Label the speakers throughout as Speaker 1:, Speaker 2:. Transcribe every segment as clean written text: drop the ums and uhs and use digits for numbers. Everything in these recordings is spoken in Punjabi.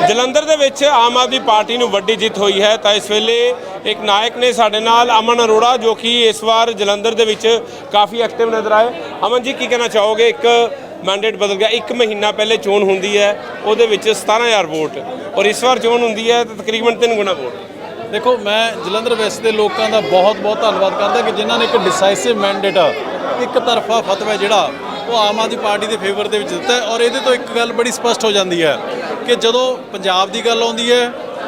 Speaker 1: ਜਲੰਧਰ ਦੇ ਵਿੱਚ ਆਮ ਆਦਮੀ ਪਾਰਟੀ ਨੂੰ ਵੱਡੀ ਜਿੱਤ ਹੋਈ ਹੈ ਤਾਂ ਇਸ ਵੇਲੇ ਇੱਕ ਨਾਇਕ ਨੇ ਸਾਡੇ ਨਾਲ ਅਮਨ ਅਰੋੜਾ ਜੋ ਕਿ ਇਸ ਵਾਰ ਜਲੰਧਰ ਦੇ ਵਿੱਚ ਕਾਫੀ ਐਕਟਿਵ ਨਜ਼ਰ ਆਏ। ਅਮਨ ਜੀ ਕੀ ਕਹਿਣਾ ਚਾਹੋਗੇ? ਇੱਕ ਮੈਂਡੇਟ ਬਦਲ ਗਿਆ, 1 ਮਹੀਨਾ ਪਹਿਲੇ ਚੋਣ ਹੁੰਦੀ ਹੈ ਉਹਦੇ ਵਿੱਚ 17,000 ਵੋਟ ਔਰ ਇਸ ਵਾਰ ਚੋਣ ਹੁੰਦੀ ਹੈ ਤਾਂ ਤਕਰੀਬਨ 3 ਗੁਣਾ ਵੋਟ।
Speaker 2: ਦੇਖੋ ਮੈਂ ਜਲੰਧਰ ਵੈਸਟ ਦੇ ਲੋਕਾਂ ਦਾ ਬਹੁਤ ਧੰਨਵਾਦ ਕਰਦਾ ਕਿ ਜਿਨ੍ਹਾਂ ਨੇ ਇੱਕ ਡਿਸਾਈਸਿਵ ਮੈਂਡੇਟ ਇੱਕ ਤਰਫਾ ਫਤਵਾ ਜਿਹੜਾ ਉਹ ਆਮ ਆਦਮੀ ਪਾਰਟੀ ਦੇ ਫੇਵਰ ਦੇ ਵਿੱਚ ਦਿੱਤਾ ਔਰ ਇਹਦੇ ਤੋਂ ਇੱਕ ਗੱਲ ਬੜੀ ਸਪਸ਼ਟ ਹੋ ਜਾਂਦੀ ਹੈ ਕਿ ਜਦੋਂ ਪੰਜਾਬ ਦੀ ਗੱਲ ਆਉਂਦੀ ਹੈ,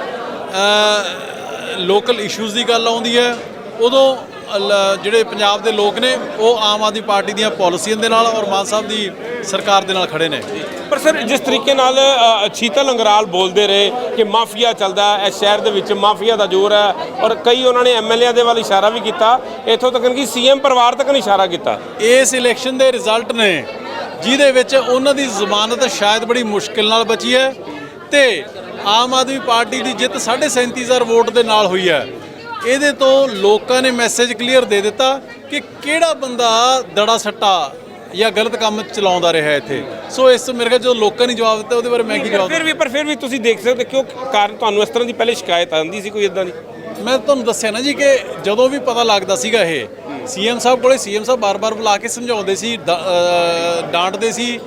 Speaker 2: ਲੋਕਲ ਇਸ਼ੂਜ਼ ਦੀ ਗੱਲ ਆਉਂਦੀ ਹੈ, ਉਦੋਂ ਜਿਹੜੇ ਪੰਜਾਬ ਦੇ ਲੋਕ ਨੇ ਉਹ ਆਮ ਆਦਮੀ ਪਾਰਟੀ ਦੀਆਂ ਪਾਲਿਸੀਆਂ ਦੇ ਨਾਲ ਔਰ ਮਾਨ ਸਾਹਿਬ ਦੀ ਸਰਕਾਰ ਦੇ ਨਾਲ ਖੜੇ ਨੇ।
Speaker 1: ਪਰ ਸਰ ਜਿਸ ਤਰੀਕੇ ਨਾਲ ਸ਼ੀਤਲ ਅੰਗਰਾਲ ਬੋਲਦੇ ਰਹੇ ਕਿ ਮਾਫੀਆ ਚੱਲਦਾ ਇਸ ਸ਼ਹਿਰ ਦੇ ਵਿੱਚ, ਮਾਫੀਆ ਦਾ ਜ਼ੋਰ ਹੈ ਔਰ ਕਈ ਉਹਨਾਂ ਨੇ ਐਮਐਲਏ ਦੇ ਵੱਲ ਇਸ਼ਾਰਾ ਵੀ ਕੀਤਾ, ਇੱਥੋਂ ਤੱਕ ਕਿ ਸੀਐਮ ਪਰਿਵਾਰ ਤੱਕ ਨੇ ਇਸ਼ਾਰਾ ਕੀਤਾ।
Speaker 2: ਇਸ ਇਲੈਕਸ਼ਨ ਦੇ ਰਿਜ਼ਲਟ ਨੇ ਜਿਹਦੇ ਵਿੱਚ ਉਹਨਾਂ ਦੀ ਜ਼ਮਾਨਤ ਸ਼ਾਇਦ ਬੜੀ ਮੁਸ਼ਕਿਲ ਨਾਲ ਬਚੀ ਹੈ ਤੇ ਆਮ ਆਦਮੀ ਪਾਰਟੀ ਦੀ ਜਿੱਤ 37,500 ਵੋਟ ਦੇ ਨਾਲ ਹੋਈ ਹੈ। ਇਹਦੇ ਤੋਂ ਲੋਕਾਂ ਨੇ ਮੈਸੇਜ ਕਲੀਅਰ ਦੇ ਦਿੱਤਾ ਕਿ ਕਿਹੜਾ ਬੰਦਾ ਦੜਾ ਸੱਟਾ ਜਾਂ ਗਲਤ ਕੰਮ ਚਲਾਉਂਦਾ ਰਿਹਾ ਇੱਥੇ। ਸੋ ਇਸ ਤੋਂ ਮੇਰੇ ਖਿਆਲ ਜਦੋਂ ਲੋਕਾਂ ਨੇ ਜਵਾਬ ਦਿੱਤਾ ਉਹਦੇ ਬਾਰੇ ਮੈਂ ਕੀ ਜਵਾਬ
Speaker 1: ਫਿਰ ਵੀ ਤੁਸੀਂ ਦੇਖ ਸਕਦੇ ਕਿਉਂ ਕਾਰਨ ਤੁਹਾਨੂੰ ਇਸ ਤਰ੍ਹਾਂ ਦੀ ਪਹਿਲੇ ਸ਼ਿਕਾਇਤ ਆਉਂਦੀ ਸੀ ਕੋਈ ਇਦਾਂ ਦੀ?
Speaker 2: ਮੈਂ ਤੁਹਾਨੂੰ ਦੱਸਿਆ ਨਾ ਜੀ ਕਿ ਜਦੋਂ ਵੀ ਪਤਾ ਲੱਗਦਾ ਸੀਗਾ ਇਹ ਸੀਐਮ ਸਾਹਿਬ ਕੋਲੇ ਸੀਐਮ ਸਾਹਿਬ ਬਾਰ-ਬਾਰ ਬੁਲਾ ਕੇ ਸਮਝਾਉਂਦੇ ਸੀ, ਡਾਂਟਦੇ ਸੀ,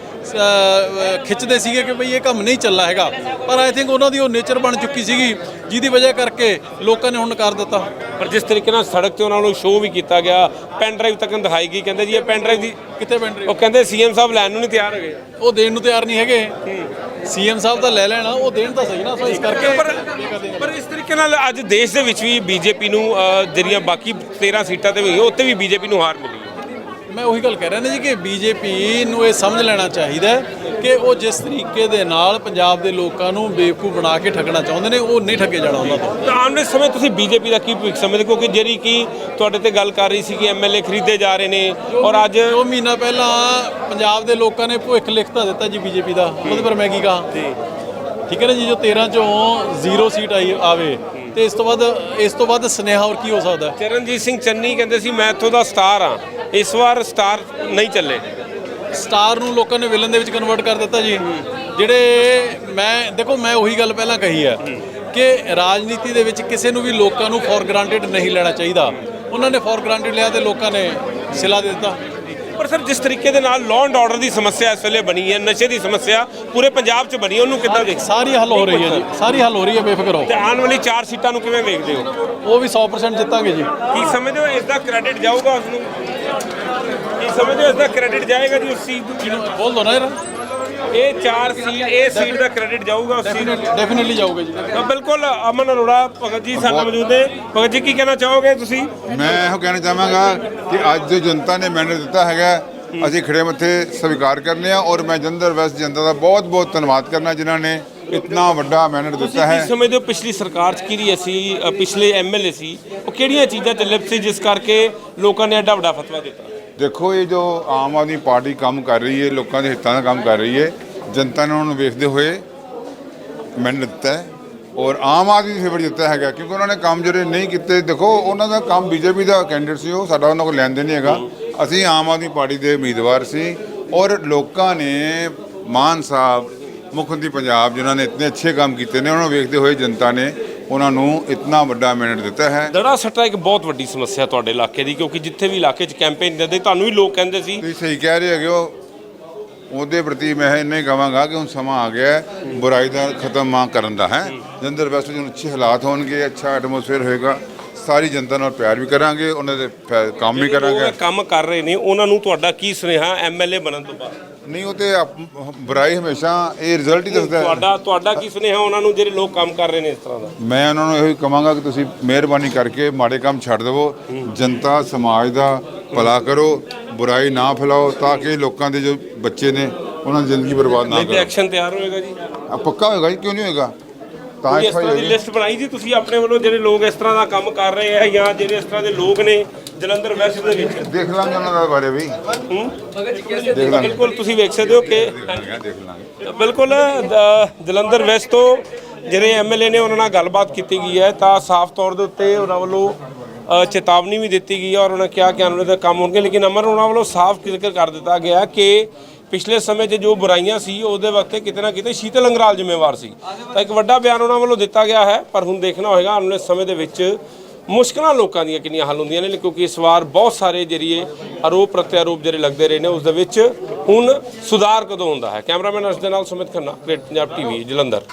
Speaker 2: ਖਿੱਚਦੇ ਸੀਗੇ ਕਿ ਬਈ ਇਹ ਕੰਮ ਨਹੀਂ ਚੱਲਣਾ ਹੈਗਾ। ਪਰ ਆਈ ਥਿੰਕ ਉਹਨਾਂ ਦੀ ਉਹ ਨੇਚਰ ਬਣ ਚੁੱਕੀ ਸੀਗੀ ਜਿਹਦੀ ਵਜ੍ਹਾ ਕਰਕੇ ਲੋਕਾਂ ਨੇ ਹੁਣ ਨਕਾਰ ਦਿੱਤਾ।
Speaker 1: ਪਰ ਜਿਸ ਤਰੀਕੇ ਨਾਲ ਸੜਕ ਤੇ ਉਹਨਾਂ ਨੂੰ ਸ਼ੋਅ ਵੀ ਕੀਤਾ ਗਿਆ, ਪੈਨ ਡਰਾਈਵ ਤੱਕ ਦਿਖਾਈ ਗਈ, ਕਹਿੰਦੇ ਜੀ ਇਹ ਪੈਨ ਡਰਾਈਵ ਦੀ
Speaker 2: ਕਿੱਥੇ ਪੈਨ ਡਰਾਈਵ?
Speaker 1: ਉਹ ਕਹਿੰਦੇ ਸੀਐਮ ਸਾਹਿਬ ਲੈਣ ਨੂੰ ਨਹੀਂ ਤਿਆਰ ਹੈਗੇ,
Speaker 2: ਉਹ ਦੇਣ ਨੂੰ ਤਿਆਰ ਨਹੀਂ ਹੈਗੇ। ਸੀਐਮ ਸਾਹਿਬ ਤਾਂ ਲੈ ਲੈਣਾ, ਉਹ ਦੇਣ ਤਾਂ ਸਹੀ ਨਾ। ਸੋ ਇਸ ਕਰਕੇ
Speaker 1: ਪਰ ਇਸ ਤਰੀਕੇ ਨਾਲ ਅੱਜ ਦੇਸ਼ ਦੇ ਵਿੱਚ ਵੀ ਬੀਜੇਪੀ ਨੂੰ ਜਿਹੜੀਆਂ ਬਾਕੀ 13 ਸੀਟਾਂ ਤੇ ਵੀ ਉੱਥੇ ਵੀ ਬੀਜੇਪੀ ਨੂੰ ਹਾਰ ਮਿਲੀ।
Speaker 2: ਮੈਂ ਉਹੀ ਗੱਲ ਕਹਿ ਰਿਹਾ ਨਾ ਜੀ ਕਿ ਬੀਜੇਪੀ ਨੂੰ ਇਹ ਸਮਝ ਲੈਣਾ ਚਾਹੀਦਾ ਕਿ ਉਹ ਜਿਸ ਤਰੀਕੇ ਦੇ ਨਾਲ ਪੰਜਾਬ ਦੇ ਲੋਕਾਂ ਨੂੰ ਬੇਵਕੂਫ ਬਣਾ ਕੇ ਠੱਗਣਾ ਚਾਹੁੰਦੇ ਨੇ ਉਹ ਨਹੀਂ ਠੱਗੇ ਜਾਣਾ ਉਹਨਾਂ ਤੋਂ।
Speaker 1: ਤਾਂ ਆਉਣ ਵਾਲੇ ਸਮੇਂ ਤੁਸੀਂ ਬੀਜੇਪੀ ਦਾ ਕੀ ਭਵਿੱਖ ਸਮਝਦੇ? ਕਿਉਂਕਿ ਜਿਹੜੀ ਕਿ ਤੁਹਾਡੇ ਤੇ ਗੱਲ ਕਰ ਰਹੀ ਸੀ ਕਿ ਐਮਐਲਏ ਖਰੀਦੇ ਜਾ ਰਹੇ ਨੇ ਔਰ ਅੱਜ
Speaker 2: 2 ਮਹੀਨਾ ਪਹਿਲਾਂ ਪੰਜਾਬ ਦੇ ਲੋਕਾਂ ਨੇ ਭਵਿੱਖ ਲਿਖਤਾ ਦਿੱਤਾ ਜੀ ਬੀਜੇਪੀ ਦਾ। ਉਹਦੇ ਪਰ ਮੈਂ ਕੀ ਕਹਾਂ? ਠੀਕ ਹੈ ਨਾ ਜੀ, ਜੋ 13 ਚੋਂ 0 ਸੀਟ ਆਵੇ ਤੇ ਇਸ ਤੋਂ ਬਾਅਦ ਸੁਨੇਹਾ ਹੋਰ ਕੀ ਹੋ ਸਕਦਾ?
Speaker 1: ਚਰਨਜੀਤ ਸਿੰਘ ਚੰਨੀ ਕਹਿੰਦੇ ਸੀ ਮੈਂ ਇੱਥੋਂ ਦਾ ਸਟਾਰ ਹਾਂ, ਇਸ ਵਾਰ ਸਟਾਰ ਨਹੀਂ ਚੱਲੇ।
Speaker 2: ਸਟਾਰ ਨੂੰ ਲੋਕਾਂ ਨੇ ਵਿਲਨ ਦੇ ਵਿੱਚ ਕਨਵਰਟ ਕਰ ਦਿੱਤਾ ਜੀ। ਜਿਹੜੇ ਮੈਂ ਉਹੀ ਗੱਲ ਪਹਿਲਾਂ ਕਹੀ ਹੈ ਕਿ ਰਾਜਨੀਤੀ ਦੇ ਵਿੱਚ ਕਿਸੇ ਨੂੰ ਵੀ ਲੋਕਾਂ ਨੂੰ ਫੋਰ ਗ੍ਰਾਂਟਡ ਨਹੀਂ ਲੈਣਾ ਚਾਹੀਦਾ। ਉਹਨਾਂ ਨੇ ਫੋਰ ਗ੍ਰਾਂਟਡ ਲਿਆ ਤੇ ਲੋਕਾਂ ਨੇ ਸਿਲਾ ਦੇ ਦਿੱਤਾ।
Speaker 1: ਪਰ ਸਰ ਜਿਸ ਤਰੀਕੇ ਦੇ ਨਾਲ ਲਾਅ ਐਂਡ ਆਰਡਰ ਦੀ ਸਮੱਸਿਆ ਇਸ ਵੇਲੇ ਬਣੀ ਹੈ, ਨਸ਼ੇ ਦੀ ਸਮੱਸਿਆ ਪੂਰੇ ਪੰਜਾਬ 'ਚ ਬਣੀ, ਉਹਨੂੰ ਕਿੱਦਾਂ ਦੇਖਦੇ?
Speaker 2: ਸਾਰੀ ਹੱਲ ਹੋ ਰਹੀ ਹੈ ਜੀ, ਸਾਰੀ ਹੱਲ ਹੋ ਰਹੀ ਹੈ, ਬੇਫਿਕਰ ਹੋ।
Speaker 1: ਤੇ ਆਉਣ ਵਾਲੀ 4 ਸੀਟਾਂ ਨੂੰ ਕਿਵੇਂ ਵੇਖਦੇ ਹੋ?
Speaker 2: ਉਹ ਵੀ 100% ਜਿੱਤਾਂਗੇ ਜੀ।
Speaker 1: ਕੀ ਸਮਝਦੇ ਹੋ ਇਸ ਦਾ ਕ੍ਰੈਡਿਟ ਜਾਊਗਾ ਉਸ ਨੂੰ? ਕੀ ਸਮਝਦੇ ਹੋ ਇਸ ਦਾ ਕ੍ਰੈਡਿਟ ਜਾਏਗਾ ਜੀ ਉਸ ਚੀਜ਼ ਨੂੰ?
Speaker 2: ਬੋਲ ਦੋ ਨਾ ਯਾਰ।
Speaker 1: ਇਹ 4 ਸੀਟ, ਇਹ ਸੀਟ ਦਾ ਕ੍ਰੈਡਿਟ ਜਾਊਗਾ ਉਸ ਚੀਜ਼ ਨੂੰ?
Speaker 2: ਡੈਫੀਨਿਟਲੀ ਜਾਊਗਾ ਜੀ।
Speaker 1: ਬਿਲਕੁਲ। ਅਮਨ ਅਰੋੜਾ ਭਗਤ ਜੀ ਸਾਡੇ ਨਾਲ ਮੌਜੂਦ ਨੇ। ਭਗਤ ਜੀ ਕੀ ਕਹਿਣਾ ਚਾਹੋਗੇ ਤੁਸੀਂ?
Speaker 3: ਮੈਂ ਇਹੋ ਕਹਿਣਾ ਚਾਹਾਂਗਾ ਕਿ ਅੱਜ ਜੋ ਜਨਤਾ ਨੇ ਮੈਂਡੇਟ ਦਿੱਤਾ ਹੈਗਾ ਅਸੀਂ ਖੜੇ ਮੱਥੇ ਸਵੀਕਾਰ ਕਰਨੇ ਆ ਔਰ ਮੈਂ ਜਲੰਧਰ ਵੈਸਟ ਜਨਤਾ ਦਾ ਬਹੁਤ ਧੰਨਵਾਦ ਕਰਨਾ ਜਿਨ੍ਹਾਂ ਨੇ ਇਤਨਾ ਵੱਡਾ ਮੈਂਡੇਟ ਦਿੱਤਾ ਹੈ।
Speaker 1: ਤੁਸੀਂ ਸਮਝਦੇ ਹੋ ਪਿਛਲੀ ਸਰਕਾਰ 'ਚ ਕਿਹੜੀ ਸੀ, ਪਿਛਲੇ ਐਮਐਲਏ ਸੀ, ਉਹ ਕਿਹੜੀਆਂ ਚੀਜ਼ਾਂ ਤੇ ਲਿਪਤ ਸੀ ਜਿਸ ਕਰਕੇ ਲੋਕਾਂ ਨੇ ਐਡਾ ਵੱਡਾ ਫਤਵਾ ਦਿੱਤਾ?
Speaker 3: ਦੇਖੋ ਇਹ ਜੋ ਆਮ ਆਦਮੀ ਪਾਰਟੀ ਕੰਮ ਕਰ ਰਹੀ ਹੈ, ਲੋਕਾਂ ਦੇ ਹਿੱਤਾਂ ਦਾ ਕੰਮ ਕਰ ਰਹੀ ਹੈ, ਜਨਤਾ ਨੇ ਉਹਨੂੰ ਵੇਖਦੇ ਹੋਏ ਮੈਂਡੇਟ ਦਿੱਤਾ ਹੈ ਔਰ ਆਮ ਆਦਮੀ ਦੀ ਫੇਵਰ ਦਿੱਤਾ ਹੈਗਾ ਕਿਉਂਕਿ ਉਹਨਾਂ ਨੇ ਕੰਮ ਜਿਹੜੇ ਨਹੀਂ ਕੀਤੇ। ਦੇਖੋ ਉਹਨਾਂ ਦਾ ਕੰਮ ਬੀਜੇਪੀ ਦਾ ਕੈਂਡੀਡੇਟ ਸੀ, ਉਹ ਸਾਡਾ ਉਹਨਾਂ ਕੋਲ ਲੈਣ ਦੇਣ ਨਹੀਂ ਹੈਗਾ। ਅਸੀਂ ਆਮ ਆਦਮੀ ਪਾਰਟੀ ਦੇ ਉਮੀਦਵਾਰ ਸੀ ਔਰ ਲੋਕਾਂ ਨੇ ਮਾਨ ਸਾਹਿਬ ਮੁੱਖ ਮੰਤਰੀ ਪੰਜਾਬ ਜਿਨ੍ਹਾਂ ਨੇ ਇਤਨੇ ਅੱਛੇ ਕੰਮ ਕੀਤੇ ਨੇ ਉਹਨਾਂ ਨੂੰ ਵੇਖਦੇ ਹੋਏ ਜਨਤਾ ਨੇ ਉਹਨਾਂ ਨੂੰ ਇਤਨਾ ਵੱਡਾ ਮੈਂਡੇਟ ਦਿੱਤਾ ਹੈ।
Speaker 1: ਦੜਾ ਸੱਟਾ ਇੱਕ ਬਹੁਤ ਵੱਡੀ ਸਮੱਸਿਆ ਤੁਹਾਡੇ ਇਲਾਕੇ ਦੀ, ਕਿਉਂਕਿ ਜਿੱਥੇ ਵੀ ਇਲਾਕੇ 'ਚ ਕੈਂਪੇਨ ਦਿੰਦੇ ਤੁਹਾਨੂੰ ਵੀ ਲੋਕ ਕਹਿੰਦੇ ਸੀ।
Speaker 3: ਤੁਸੀਂ ਸਹੀ ਕਹਿ ਰਹੇ ਹੈਗੇ ਹੋ। ਉਹਦੇ ਪ੍ਰਤੀ ਮੈਂ ਇੰਨਾ ਹੀ ਕਹਾਂਗਾ ਕਿ ਹੁਣ ਸਮਾਂ ਆ ਗਿਆ ਬੁਰਾਈ ਦਾ ਖਤਮ ਕਰਨ ਦਾ ਹੈ। ਜਲੰਧਰ ਵੈਸਟ ਵਿੱਚ ਅੱਛੇ ਹਾਲਾਤ ਹੋਣਗੇ, ਅੱਛਾ ਐਟਮੋਸਫੇਅਰ ਹੋਏਗਾ, ਸਾਰੀ ਜਨਤਾ ਨਾਲ ਪਿਆਰ ਵੀ ਕਰਾਂਗੇ, ਉਹਨਾਂ ਦੇ ਕੰਮ ਵੀ ਕਰਾਂਗੇ।
Speaker 1: ਕੰਮ ਕਰ ਰਹੇ ਨੇ ਉਹਨਾਂ ਨੂੰ ਤੁਹਾਡਾ ਕੀ ਸੁਨੇਹਾ ਐਮਐਲਏ ਬਣਨ ਤੋਂ ਬਾਅਦ?
Speaker 3: ਨਹੀਂ ਉਹ ਤੇ ਬੁਰਾਈ ਹਮੇਸ਼ਾ ਇਹ ਰਿਜ਼ਲਟ ਹੀ ਦੱਸਦਾ ਹੈ।
Speaker 1: ਤੁਹਾਡਾ ਕੀ ਸੁਨੇਹਾ ਉਹਨਾਂ ਨੂੰ ਜਿਹੜੇ ਲੋਕ ਕੰਮ ਕਰ ਰਹੇ ਨੇ ਇਸ ਤਰ੍ਹਾਂ ਦਾ?
Speaker 3: ਮੈਂ ਉਹਨਾਂ ਨੂੰ ਇਹੋ ਹੀ ਕਹਾਂਗਾ ਕਿ ਤੁਸੀਂ ਮਿਹਰਬਾਨੀ ਕਰਕੇ ਮਾੜੇ ਕੰਮ ਛੱਡ ਦੇਵੋ, ਜਨਤਾ ਸਮਾਜ ਦਾ ਭਲਾ ਕਰੋ, ਬੁਰਾਈ ਨਾ ਫੈਲਾਓ ਤਾਂ ਕਿ ਲੋਕਾਂ ਦੇ ਜੋ ਬੱਚੇ ਨੇ ਉਹਨਾਂ ਦੀ ਜ਼ਿੰਦਗੀ ਬਰਬਾਦ ਨਾ ਕਰੋ।
Speaker 1: ਐਕਸ਼ਨ ਤਿਆਰ ਹੋਏਗਾ ਜੀ?
Speaker 3: ਪੱਕਾ ਹੋਏਗਾ ਜੀ, ਕਿਉਂ ਨਹੀਂ ਹੋਏਗਾ? ਤਾਂ
Speaker 1: ਇਸ ਤਰ੍ਹਾਂ ਦੀ ਲਿਸਟ ਬਣਾਈ ਜੀ ਤੁਸੀਂ ਆਪਣੇ ਵੱਲੋਂ ਜਿਹੜੇ ਲੋਕ ਇਸ ਤਰ੍ਹਾਂ ਦਾ ਕੰਮ ਕਰ ਰਹੇ ਆ ਜਾਂ ਜਿਹੜੇ ਇਸ ਤਰ੍ਹਾਂ ਦੇ ਲੋਕ ਨੇ ਜਲੰਧਰ ਵੈਸਟ ਦੇ ਵਿੱਚ?
Speaker 3: ਦੇਖ ਲਾਂਗੇ ਉਹਨਾਂ ਦੇ ਬਾਰੇ ਵੀ।
Speaker 1: ਬਿਲਕੁਲ ਤੁਸੀਂ ਵੇਖ ਸਕਦੇ ਹੋ ਕਿ
Speaker 3: ਦੇਖ ਲਾਂਗੇ
Speaker 1: ਬਿਲਕੁਲ ਜਲੰਧਰ ਵੈਸਟ ਤੋਂ ਜਿਹੜੇ ਐਮਐਲਏ ਨੇ ਉਹਨਾਂ ਨਾਲ ਗੱਲਬਾਤ ਕੀਤੀ ਗਈ ਹੈ ਤਾਂ ਸਾਫ਼ ਤੌਰ ਦੇ ਉੱਤੇ ਉਹਨਾਂ ਵੱਲੋਂ ਚੇਤਾਵਨੀ ਵੀ ਦਿੱਤੀ ਗਈ ਹੈ ਔਰ ਉਹਨਾਂ ਕਿਹਾ ਕਿ ਆਉਣ ਵਾਲੇ ਕੰਮ ਹੋਣਗੇ। ਲੇਕਿਨ ਅਮਰ ਉਹਨਾਂ ਵੱਲੋਂ ਸਾਫ਼ ਜ਼ਿਕਰ ਕਰ ਦਿੱਤਾ ਗਿਆ ਕਿ ਪਿਛਲੇ ਸਮੇਂ 'ਚ ਜੋ ਬੁਰਾਈਆਂ ਸੀ ਉਹਦੇ ਵਕਤ ਕਿਤੇ ਨਾ ਕਿਤੇ ਸ਼ੀਤਲ ਅੰਗਰਾਲ ਜ਼ਿੰਮੇਵਾਰ ਸੀ। ਤਾਂ ਇੱਕ ਵੱਡਾ ਬਿਆਨ ਉਹਨਾਂ ਵੱਲੋਂ ਦਿੱਤਾ ਗਿਆ ਹੈ, ਪਰ ਹੁਣ ਦੇਖਣਾ ਹੋਏਗਾ ਆਉਣ ਵਾਲੇ ਸਮੇਂ ਦੇ ਵਿੱਚ ਮੁਸ਼ਕਲਾਂ ਲੋਕਾਂ ਦੀਆਂ ਕਿੰਨੀਆਂ ਹੱਲ ਹੁੰਦੀਆਂ ਨੇ, ਕਿਉਂਕਿ ਇਸ ਵਾਰ ਬਹੁਤ ਸਾਰੇ ਜਰੀਏ ਆਰੋਪ ਪ੍ਰਤਿਆਰੋਪ ਜਿਹੜੇ ਲੱਗਦੇ ਰਹੇ ਨੇ ਉਸ ਦੇ ਵਿੱਚ ਹੁਣ ਸੁਧਾਰ ਕਦੋਂ ਹੁੰਦਾ ਹੈ। ਕੈਮਰਾਮੈਨ ਅਰਸ਼ ਦੇ ਨਾਲ ਸੁਮਿਤ ਖੰਨਾ, ਗ੍ਰੇਟ ਪੰਜਾਬ ਟੀਵੀ, ਜਲੰਧਰ।